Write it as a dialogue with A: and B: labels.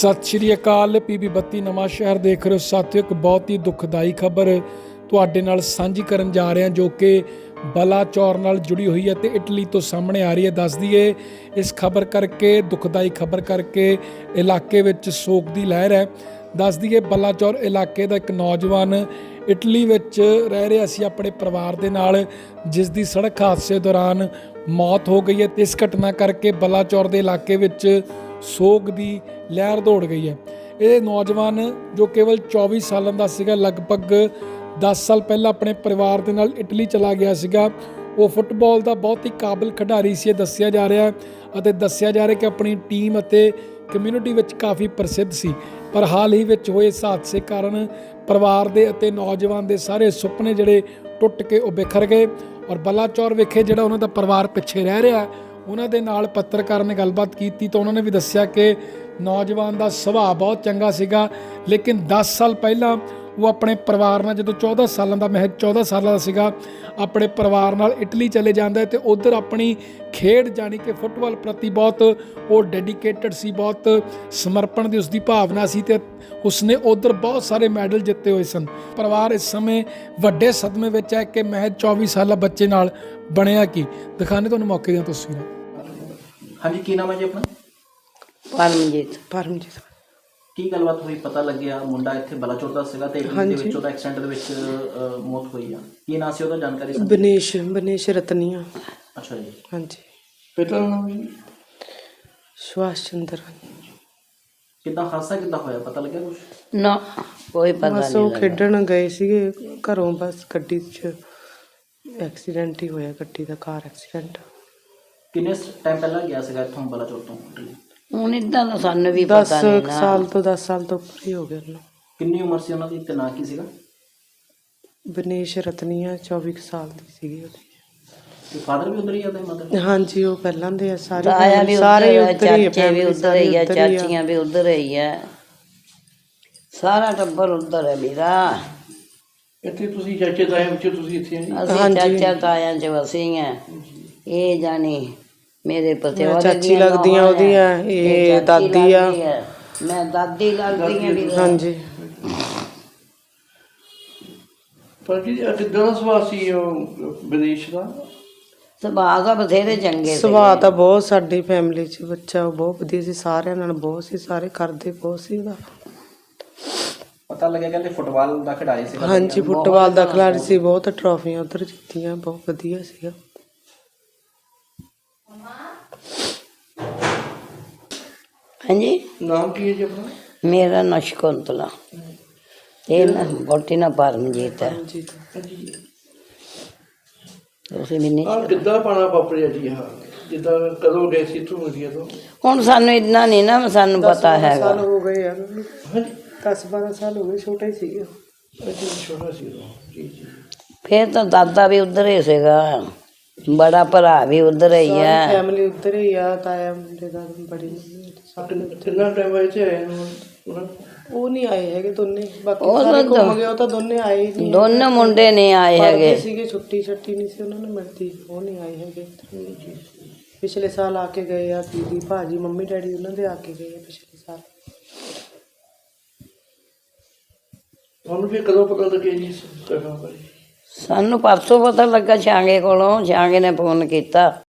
A: ਸਤਿ ਸ਼੍ਰੀ ਅਕਾਲ। PB 32 ਨਵਾਂ ਸ਼ਹਿਰ ਦੇਖ ਰਹੇ ਹੋ ਸਾਥੀਓ। ਇੱਕ ਬਹੁਤ ਹੀ ਦੁਖਦਾਈ ਖਬਰ ਤੁਹਾਡੇ ਨਾਲ ਸਾਂਝੀ ਕਰਨ ਜਾ ਰਹੇ ਹਾਂ ਜੋ ਕਿ ਬਲਾਚੌਰ ਨਾਲ ਜੁੜੀ ਹੋਈ ਹੈ ਤੇ ਇਟਲੀ ਤੋਂ ਸਾਹਮਣੇ ਆ ਰਹੀ ਹੈ। ਦੱਸ ਦਈਏ ਇਸ ਖਬਰ ਕਰਕੇ, ਦੁਖਦਾਈ ਖਬਰ ਕਰਕੇ ਇਲਾਕੇ ਵਿੱਚ ਸੋਗ ਦੀ ਲਹਿਰ ਹੈ। ਦੱਸ ਦਈਏ ਬਲਾਚੌਰ ਇਲਾਕੇ ਦਾ ਇੱਕ ਨੌਜਵਾਨ ਇਟਲੀ ਵਿੱਚ ਰਹਿ ਰਿਹਾ ਸੀ ਆਪਣੇ ਪਰਿਵਾਰ ਦੇ ਨਾਲ, ਜਿਸ ਦੀ ਸੜਕ ਹਾਦਸੇ ਦੌਰਾਨ ਮੌਤ ਹੋ ਗਈ ਹੈ। ਤੇ ਇਸ ਘਟਨਾ ਕਰਕੇ ਬਲਾਚੌਰ ਦੇ ਇਲਾਕੇ ਵਿੱਚ ਸੋਗ ਦੀ ਲਹਿਰ ਦੌੜ ਗਈ ਹੈ। ਇਹ ਨੌਜਵਾਨ ਜੋ ਕੇਵਲ 24 ਸਾਲਾਂ ਦਾ ਸੀਗਾ, ਲਗਭਗ 10 ਸਾਲ ਪਹਿਲਾਂ ਆਪਣੇ ਪਰਿਵਾਰ ਦੇ ਨਾਲ ਇਟਲੀ ਚਲਾ ਗਿਆ ਸੀਗਾ। ਉਹ ਫੁੱਟਬਾਲ ਦਾ ਬਹੁਤ ਹੀ ਕਾਬਿਲ ਖਿਡਾਰੀ ਸੀ, ਇਹ ਦੱਸਿਆ ਜਾ ਰਿਹਾ ਅਤੇ ਦੱਸਿਆ ਜਾ ਰਿਹਾ ਕਿ ਆਪਣੀ ਟੀਮ ਅਤੇ ਕਮਿਊਨਿਟੀ ਵਿੱਚ ਕਾਫੀ ਪ੍ਰਸਿੱਧ ਸੀ। ਪਰ ਹਾਲ ਹੀ ਵਿੱਚ ਹੋਏ ਇਸ ਹਾਦਸੇ ਕਾਰਨ ਪਰਿਵਾਰ ਦੇ ਅਤੇ ਨੌਜਵਾਨ ਦੇ ਸਾਰੇ ਸੁਪਨੇ ਜਿਹੜੇ ਟੁੱਟ ਕੇ ਉਹ ਬਿਖਰ ਗਏ। ਔਰ ਬਲਾਚੌਰ ਵਿਖੇ ਜਿਹੜਾ ਉਹਨਾਂ ਦਾ ਪਰਿਵਾਰ ਪਿੱਛੇ ਰਹਿ ਰਿਹਾ, ਉਹਨਾਂ ਦੇ ਨਾਲ ਪੱਤਰਕਾਰ ਨੇ ਗੱਲਬਾਤ ਕੀਤੀ ਤਾਂ ਉਹਨਾਂ ਨੇ ਵੀ ਦੱਸਿਆ ਕਿ ਨੌਜਵਾਨ ਦਾ ਸੁਭਾਅ ਬਹੁਤ ਚੰਗਾ ਸੀਗਾ, ਲੇਕਿਨ 10 ਸਾਲ ਪਹਿਲਾਂ ਉਹ ਆਪਣੇ ਪਰਿਵਾਰ ਨਾਲ, ਜਦੋਂ 14 ਸਾਲਾਂ ਦਾ, ਮੈਂ 14 ਸਾਲਾਂ ਦਾ ਸੀਗਾ, ਆਪਣੇ ਪਰਿਵਾਰ ਨਾਲ ਇਟਲੀ ਚਲੇ ਜਾਂਦਾ ਤੇ ਉੱਧਰ ਆਪਣੀ ਖੇਡ ਜਾਣੀ ਕਿ ਫੁੱਟਬਾਲ ਪ੍ਰਤੀ ਬਹੁਤ ਉਹ ਡੈਡੀਕੇਟਡ ਸੀ, ਬਹੁਤ ਸਮਰਪਣ ਦੀ ਉਸਦੀ ਭਾਵਨਾ ਸੀ ਤੇ ਉਸਨੇ ਉੱਧਰ ਬਹੁਤ ਸਾਰੇ ਮੈਡਲ ਜਿੱਤੇ ਹੋਏ ਸਨ। ਪਰਿਵਾਰ ਇਸ ਸਮੇਂ ਵੱਡੇ ਸਦਮੇ ਵਿੱਚ ਹੈ ਕਿ ਮੈਂ 24 ਸਾਲਾ ਬੱਚੇ ਨਾਲ ਬਣਿਆ ਕੀ। ਦਿਖਾਣੇ ਤੁਹਾਨੂੰ ਮੌਕੇ ਦੀਆਂ ਤਸਵੀਰਾਂ।
B: ਹਾਂਜੀ, ਕੀ ਨਾਮ ਹੈ ਜੀ ਆਪਣਾ?
C: ਪਰਮਜੀਤ।
B: ਕੀ ਗੱਲਬਾਤ ਹੋਈ? ਪਤਾ ਲੱਗਿਆ ਮੁੰਡਾ ਇੱਥੇ ਬਲਾਚੌਰ ਦਾ ਸੀਗਾ ਤੇ ਇਟਲੀ ਦੇ ਵਿੱਚ ਉਹਦਾ ਐਕਸੀਡੈਂਟ ਦੇ ਵਿੱਚ ਮੌਤ ਹੋਈ ਆ। ਕੀ ਨਾਂ ਸੀ ਉਹਦਾ, ਜਾਣਕਾਰੀ?
C: ਬਨੇਸ਼ ਰਤਨੀਆ।
B: ਅੱਛਾ ਜੀ।
C: ਹਾਂਜੀ।
B: ਪਿਤਾ ਦਾ ਨਾਮ ਜੀ?
C: ਸੁਭਾਸ਼ ਚੰਦਰ।
B: ਕਿੱਦਾਂ ਹਾਦਸਾ ਕਿੱਦਾਂ ਹੋਇਆ, ਪਤਾ ਲੱਗਿਆ ਕੁਝ?
D: ਨਾ, ਕੋਈ ਪਤਾ ਨਹੀਂ।
C: ਬਸ ਉਹ ਖੇਡਣ ਗਏ ਸੀਗੇ ਘਰੋਂ, ਬਸ ਗੱਡੀ 'ਚ ਐਕਸੀਡੈਂਟ ਹੀ ਹੋਇਆ, ਗੱਡੀ ਦਾ, ਕਾਰ ਐਕਸੀਡੈਂਟ।
B: ਕਿੰਨੇ ਟਾਈਮ ਪਹਿਲਾਂ ਗਿਆ ਸੀਗਾ ਇੱਥੋਂ ਬਲਾਚੌਰ ਤੋਂ ਇਟਲੀ?
D: ਹੁਣ ਇੱਦਾਂ ਦਾ ਸਾਨੂੰ ਵੀ ਪਤਾ ਨਹੀਂ ਨਾ।
C: 10 ਸਾਲ ਤੋਂ ਉੱਪਰ ਹੀ ਹੋ ਗਿਆ ਉਹਨੂੰ।
B: ਕਿੰਨੀ ਉਮਰ ਸੀ ਉਹਨਾਂ ਦੀ ਤੇ ਨਾਂ ਕੀ ਸੀਗਾ?
C: ਬਨੇਸ਼ ਰਤਨੀਆ 24 ਸਾਲ ਦੀ ਸੀਗੀ ਉਹਦੀ।
B: ਤੇ ਫਾਦਰ ਵੀ ਉਧਰ ਹੀ ਆ ਤੇ ਮਦਰ?
C: ਹਾਂਜੀ, ਉਹ ਪਹਿਲਾਂ ਦੇ ਆ ਸਾਰੇ,
D: ਤਾਇਆ ਵੀ
C: ਸਾਰੇ
D: ਉੱਧਰ,
C: ਉੱਧਰ ਹੀ ਆ,
D: ਚਾਚੇ ਵੀ ਉੱਧਰ ਹੀ ਆ, ਚਾਚੀਆਂ ਵੀ ਉੱਧਰ ਹੀ ਆ, ਸਾਰਾ ਟੱਬਰ ਉੱਧਰ ਹੈ ਮੇਰਾ।
B: ਇੱਥੇ ਤੁਸੀਂ ਚਾਚੇ ਤਾਏ ਵਿੱਚ ਤੁਸੀਂ ਇੱਥੇ
D: ਅਸੀਂ ਚਾਚਾ ਤਾਇਆਂ ਚ ਅਸੀਂ ਆ। ਇਹ ਜਾਣੀ ਮੇਰੇ ਪਤਿਆ
C: ਚਾਚੀ ਲੱਗਦੀਆਂ ਉਹਦੀਆਂ, ਇਹ ਦਾਦੀ ਆ,
D: ਮੈਂ ਦਾਦੀ ਲੱਗਦੀ ਆ ਵੀ।
C: ਹਾਂਜੀ।
B: ਪਰ ਜੀ ਕਿੱਦਾਂ ਦਾ ਸੁਭਾਅ ਸੀ ਉਹ ਬਨੇਸ਼ ਦਾ?
D: ਸੁਭਾਅ ਦਾ ਬਥੇਰੇ ਚੰਗੇ ਸੀ।
C: ਸੁਭਾਅ ਤਾਂ ਬਹੁਤ, ਸਾਡੀ ਫੈਮਿਲੀ 'ਚ ਬੱਚਾ ਬਹੁਤ ਵਧੀਆ ਸੀ, ਸਾਰਿਆਂ ਨਾਲ ਬਹੁਤ ਸੀ, ਸਾਰੇ ਕਰਦੇ ਬਹੁਤ ਸੀ ਉਹਦਾ।
B: ਪਤਾ ਲੱਗਿਆ ਕਹਿੰਦੇ ਫੁੱਟਬਾਲ ਦਾ ਖਿਡਾਰੀ ਸੀ।
C: ਹਾਂਜੀ, ਫੁੱਟਬਾਲ ਦਾ ਖਿਡਾਰੀ ਸੀ, ਬਹੁਤ ਟਰਾਫੀਆਂ ਉੱਧਰ ਜਿੱਤੀਆਂ, ਬਹੁਤ ਵਧੀਆ ਸੀਗਾ।
D: ਹਾਂਜੀ।
B: ਨਾਮ ਕੀ ਹੈ ਜੀ ਆਪਣਾ?
D: ਮੇਰਾ ਨਾਂ ਸ਼ਕੁੰਤਲਾ, ਇਹ ਨਾ ਵਹੁਟੀ ਨਾ ਪਰਮਜੀਤ ਹੈ। ਤੁਸੀਂ ਵੀ ਨਹੀਂ?
B: ਕਿੱਦਾਂ ਪਾਣਾ ਵਾਪਰਿਆ ਜੀ? ਹਾਂ, ਜਿੱਦਾਂ ਕਦੋਂ ਗਏ ਸੀ ਇੱਥੋਂ ਇੰਡੀਆ ਤੋਂ?
D: ਹੁਣ ਸਾਨੂੰ ਇੰਨਾ ਨਹੀਂ ਨਾ ਸਾਨੂੰ ਪਤਾ ਹੈਗਾ।
C: ਸਾਲ ਹੋ ਗਏ ਯਾਰ, 10-12 ਸਾਲ ਹੋ ਗਏ, ਛੋਟਾ ਹੀ ਸੀਗਾ।
B: ਛੋਟਾ ਸੀ ਜੀ ਜੀ।
D: ਫਿਰ ਤਾਂ ਦਾਦਾ ਵੀ ਉੱਧਰ ਹੀ ਸੀਗਾ, ਬੜਾ ਭਰਾ ਵੀ ਉੱਧਰ ਹੀ ਆ,
C: ਫੈਮਿਲੀ ਉੱਧਰ ਹੀ ਆ, ਤਾਇਆ ਮੁੰਡੇ ਦਾ, ਬੜੀ
B: ਕਿੰਨਾ ਟਾਈਮ ਆਏ ਤੇ
C: ਉਹ ਨਹੀਂ ਆਏ ਹੈਗੇ ਦੋਨੇ, ਬਾਕੀ ਸਾਰੇ ਘੁੰਮ ਗਏ। ਉਹ ਤਾਂ ਦੋਨੇ ਆਏ ਨਹੀਂ,
D: ਦੋਨੋਂ ਮੁੰਡੇ ਨਹੀਂ ਆਏ ਹੈਗੇ
C: ਸੀਗੇ, ਛੁੱਟੀ ਨਹੀਂ ਸੀ ਉਹਨਾਂ ਨੂੰ ਮਿਲਦੀ, ਉਹ ਨਹੀਂ ਆਏ ਹੈਗੇ। ਪਿਛਲੇ ਸਾਲ ਆ ਕੇ ਗਏ ਆ, ਦੀਦੀ ਭਾਜੀ ਮੰਮੀ ਡੈਡੀ ਉਹਨਾਂ ਦੇ ਆ ਕੇ ਗਏ ਆ ਪਿਛਲੇ ਸਾਲ।
B: ਤੁਹਾਨੂੰ ਫਿਰ ਕਦੋਂ ਪਤਾ ਲੱਗਿਆ ਜੀ?
D: ਸਾਨੂੰ ਪਰਸੋਂ ਪਤਾ ਲੱਗਾ ਛਾਂਗੇ ਕੋਲੋਂ, ਛਾਂਗੇ ਨੇ ਫੋਨ ਕੀਤਾ।